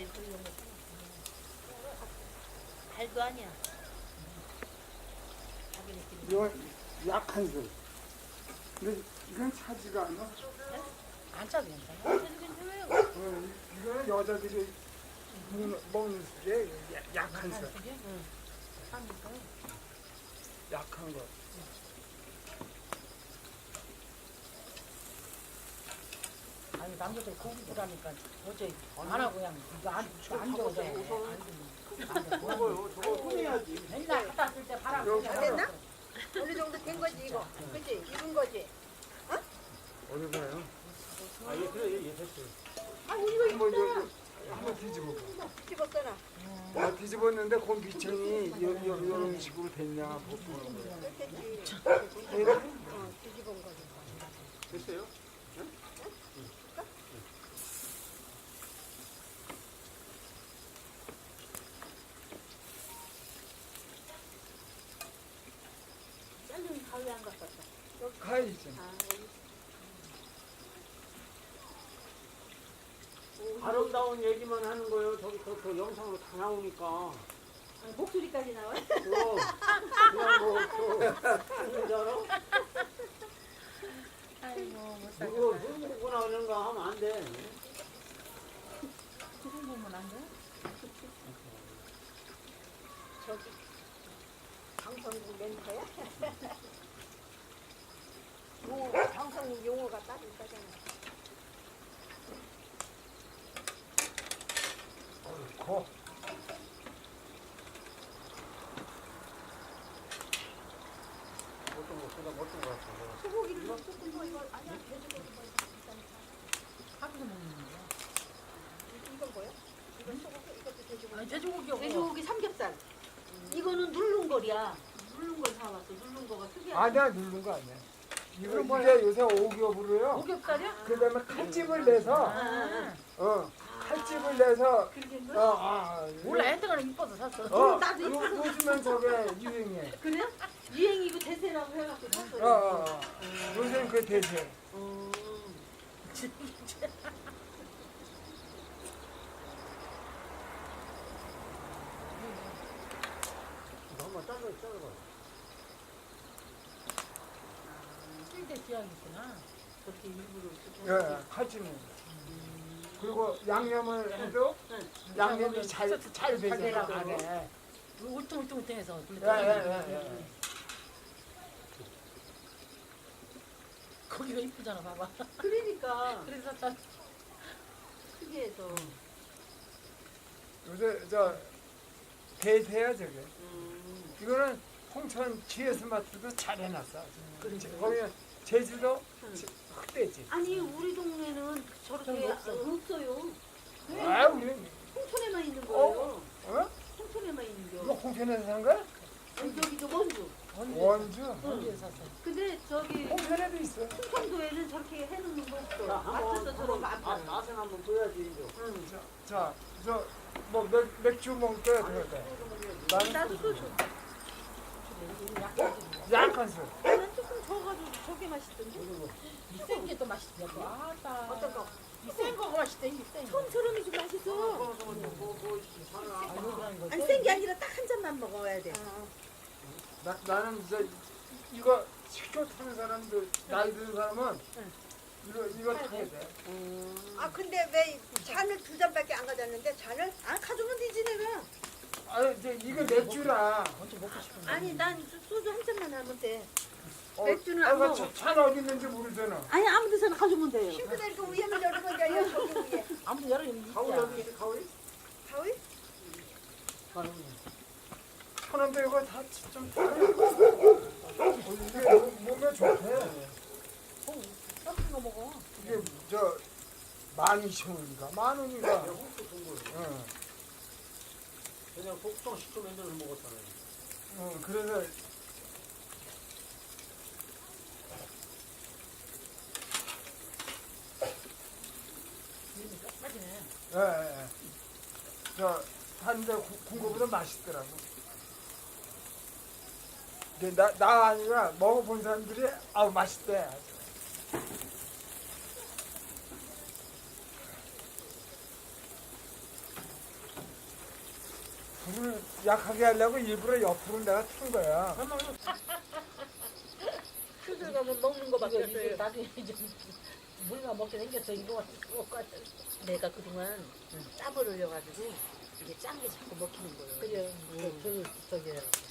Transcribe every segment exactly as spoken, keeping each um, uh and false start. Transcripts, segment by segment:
알 그런 거 알도 아니야. 이건 약한 술. 근데 이건 차지가 않아. 안 짜도 괜찮아. 어, 이거는 여자들이 먹는, 먹는 술에 약한 술. 응. 약한 거. 아니 남자들 고기라니까 어째 안 하고 그냥 이거 안, 안 줘도 돼. 안 줘. 저거요, 저거 꺼내야지. 맨날 갖다 쓸 때 바람 여기 그냥 됐나? 어느 정도 된 거지 이거. 그치? 익은 거지? 어디 가요? 아, 예, 그래, 예, 됐어요. 아 이거 한번 저, 저, 한번 뒤집어 봐. 집었잖아. 아, 뒤집었는데 그 미청이 요, 요, 이런 식으로 됐냐 못 보는 거야. 그렇겠지. 얘는 어, 뒤집은 거지. 됐어요? 짤린 가위 안 갖고 왔다. 가야지. 아, 여기. 아름다운 얘기만 하는 거예요. 저기 저, 저 영상으로 다 나오니까. 아, 목소리까지 나와. 그거 그냥 뭐 또, 뭔지 알아? 아이고 못 살겠다. 누구 누구나 이런 거 하면 안 돼. 그런 보면 안 돼? 저기 방송국 멘트야? 용어, 방송국 용어가 따로 있다잖아. 고. 어떤 거 보다 어떤 거 같아. 소고기를 좀 조금 더 이거 아니야 돼지고기 뭐 일단 하기도 먹는 거야. 이건 뭐야? 이건 소고기 이것도 돼지고기. 아니 돼지고기하고 돼지고기 삼겹살. 이거는 누른 거야. 누른 걸 사왔어. 누른 거가 특이하다. 아니야, 누른 거 아니야. 이거 이게 요새 오겹으로요. 오겹살이야? 그 다음에 칼집을 내서, 아, 어, 칼집을 내서, 그렇게 어, 뭐? 아, 몰라 애들은 이뻐서 샀어. 어, 나도 요, 요즘엔 저게 유행해. 그래요? 유행이고 대세라고 해갖고 샀어요. 어, 어, 어. 요새는 그 대세. 음. 이거 한번 잘라 잘라봐. 쓸때 지향이 있구나. 그렇게 일부러 예, 칼집은. 그리고 양념을 해도 양념이 잘, 잘 배져. 되라고. 안에. 울퉁울퉁해서. 예, 예, 예, 예. 거기가 이쁘잖아 봐봐. 그러니까 그래서 다 특이해서. 요새 저 대세야 저게. 음. 이거는 홍천 지에스 마트도 잘 해놨어. 그렇지. 거기는 제주도 흑돼지. 아니 우리 동네는 저렇게 저기 없어. 없어요. 아, 우리는 홍천에만 있는 거예요. 어? 홍천에만 있는 이거 거. 홍천에서 산 거야? 아니 저기 저 원주. 원주. 어디에 샀어? 근데 저기 홍천에도 있어. 충청도에는 저렇게 해놓는 거 없어. 자, 한번 마트에서 저런 거 안 한번 팔아. 맛- 맛은 한번 보여야지 이제. 응. 자, 자, 저, 뭐, 맥, 맥주 먹을 때 그럴까? 나는 나도 또 줘. 약한 술. 나는 조금 저어가지고 저게 맛있던데. 이센 게 또 맛있어. 아따. 어떤 거? 이센 거가 맛있대. 이센 거. 처음처럼이 좀 맛있어. 뭐, 뭐, 뭐, 뭐, 하나. 아, 요거라는 거. 안 센 게 아니라 딱 한 잔만 먹어야 돼. 나, 나는 저, 이거 식초 타는 사람들, 나이 드는 사람은 이거, 이거 타야 돼. 아 근데 왜 잔을 두 잔밖에 안 가져왔는데 잔을 안 가져오면 되지 내가. 아니, 이제 이거 맥주라. 먼저 먹고 싶은데. 아니 난 소주 한 잔만 하면 돼. 어, 맥주는 아, 안 이거 먹어. 차- 차는 어디 있는지 모르잖아. 아니 아무 데서나 가져오면 돼요. 싱크대 그 위에만 열면 돼요. 저기 위에. 아무튼 여름이 가오리 어디 있어? 가오리? 가위? 천원도 이거 다 좀. 이게 몸- 몸에 좋대. 썩은 거 먹어. 이게 저, 만 이천 원인가? 만 원인가? 홍수 준 거예요. 응. 그냥 독성 식초 만들어서 먹었잖아요. 어, 그래서 맛이네. 예, 예, 예. 저 한데 군거보다 맛있더라고. 근데 나, 나 아니라 먹어본 사람들이 아우 맛있대. 불을 약하게 하려고 일부러 옆으로 내가 튼 거야. 수술 가면 먹는 거밖에 이거 이게 없어요. 나중에 이제 물만 먹게 생겼어. 이거 먹고 내가 그동안 땀을 흘려가지고 이게 짠 게 자꾸 먹히는 거예요. 그래. 그 저기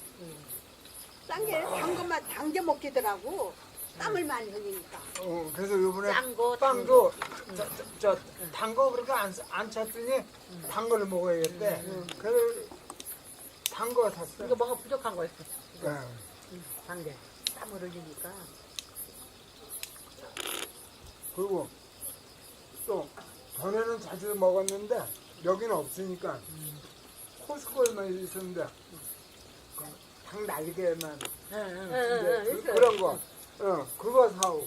딴게 단 것만 당겨 먹기더라고. 땀을 많이 흘리니까. 어, 그래서 요번에 짠 거, 빵도 저단거 그렇게 안, 안 찼더니 단 거를 먹어야겠대. 그래서 단 거 샀어. 이거 뭐가 부족한 거였어. 네. 단계. 땀을 흘리니까. 그리고 또 전에는 자주 먹었는데 여기는 없으니까 코스코에만 있었는데 그 닭 날개만 응, 응. 이제 그, 있어요. 그런 거 어, 그거 사오.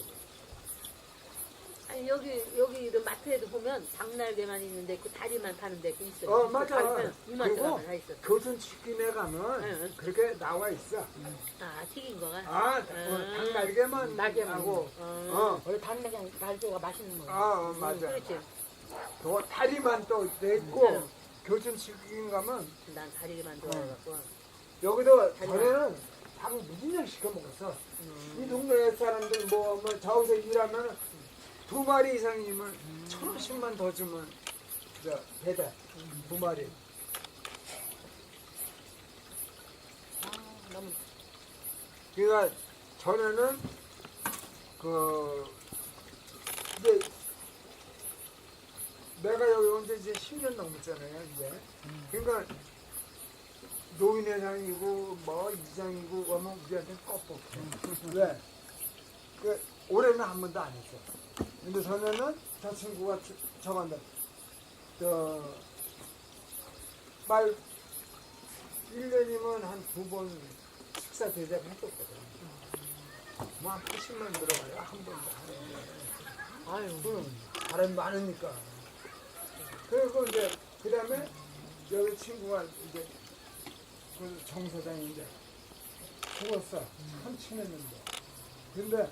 아니 여기 여기 이런 마트에도 보면 닭날개만 있는데 그 다리만 파는 데그 있어요. 어, 맞아. 이만 그리고 원다 있어. 교촌 치킨에 가면 응, 응. 그렇게 나와 있어. 아 튀긴 거가. 아, 어, 음. 닭 날개만 날개만. 하고 어. 어. 원래 단계가 날개가 맛있는 거야. 아, 어, 맞아. 그렇지. 그 다리만 또 돼 있고 응. 교촌 치킨 가면 난 다리만 좋아해갖고. 여기도 다리만. 전에는 닭을 무진장 시켜 먹었어. 음. 이 동네 사람들 뭐, 뭐 저기서 일하면 두 마리 이상이면 천 원씩만 더 주면 저 배달 두 마리. 아, 너무 그러니까 전에는 그 이제 내가 여기 온 지 이제 십 년 넘었잖아요 이제. 그러니까 노인회장이고 뭐 이장이고 오면 우리한테 껍뻑해. 왜? 그 올해는 한 번도 안 했어. 근데 전에는 저 친구가 저간다. 저말 일 년이면 한 두 번 식사 대접 했었거든. 뭐 한 팔십만 들어가요 한 번도 하는데. 아유. 응, 사람이 많으니까. 그리고 이제 그 다음에 여기 친구가 이제 그 정사장인데 죽었어. 참 친했는데. 근데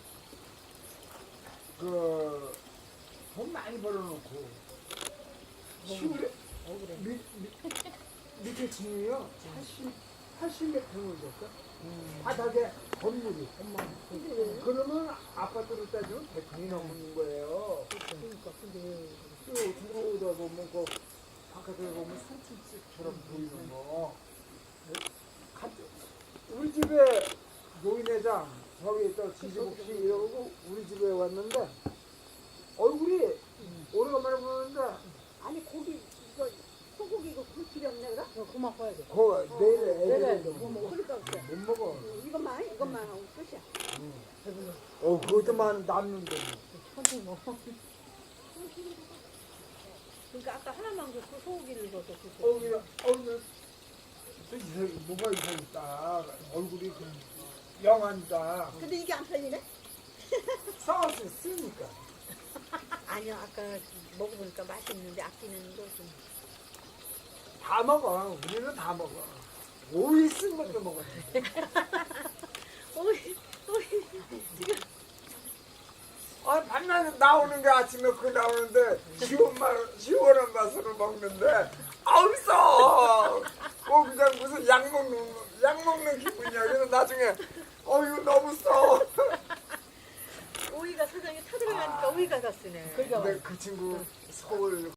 그 돈 많이 벌어놓고 시골에 억울해. 밑, 밑, 밑에 층이요 팔십, 팔십몇 평을 줬어. 바닥에 건물이. 그러면 아파트로 따지면 백 평이 넘는 거예요. 그러니까 근데 또 들어오다 보면 그 바깥에 보면 산책집처럼 보이는 거. 가- 우리 집에 노인회장 저기 또 지지복 씨 이러고 우리 집에 왔는데 얼굴이 오래간만에 보는데 아니 고기 이거 소고기 이거 그 필요 없네 그래? 어, 그만 봐야 돼. 그 내일 내일 애들이 뭐 못 그러니까 그래. 먹어. 이것만 이것만 하고 끝이야. 배불러. 어 그것도만 남는데. 천천히 먹어. 그러니까 아까 하나만 줬고 소고기를 줘서 줬어. 어우 어우 또 이상 뭐가 이상했다. 얼굴이 그 영한다. 근데 이게 안 팔리네? 싸워서 쓰니까. 아니요 아까 먹어보니까 맛있는데 아끼는 거 좀. 다 먹어. 우리는 다 먹어. 오이 쓴 것도 먹었지. 오이 오이 지금 아, 반나절 나오는 게 아침에 그 나오는데 시원 맛, 시원한 맛으로 먹는데 아우 써. 뭐 그냥 무슨 약 먹는 약 먹는 기분이야. 그래서 나중에 어 이거 너무 써. 오이가 사장에 타들어가니까 오이가 다 쓰네. 그러니까 근데 그 친구 서울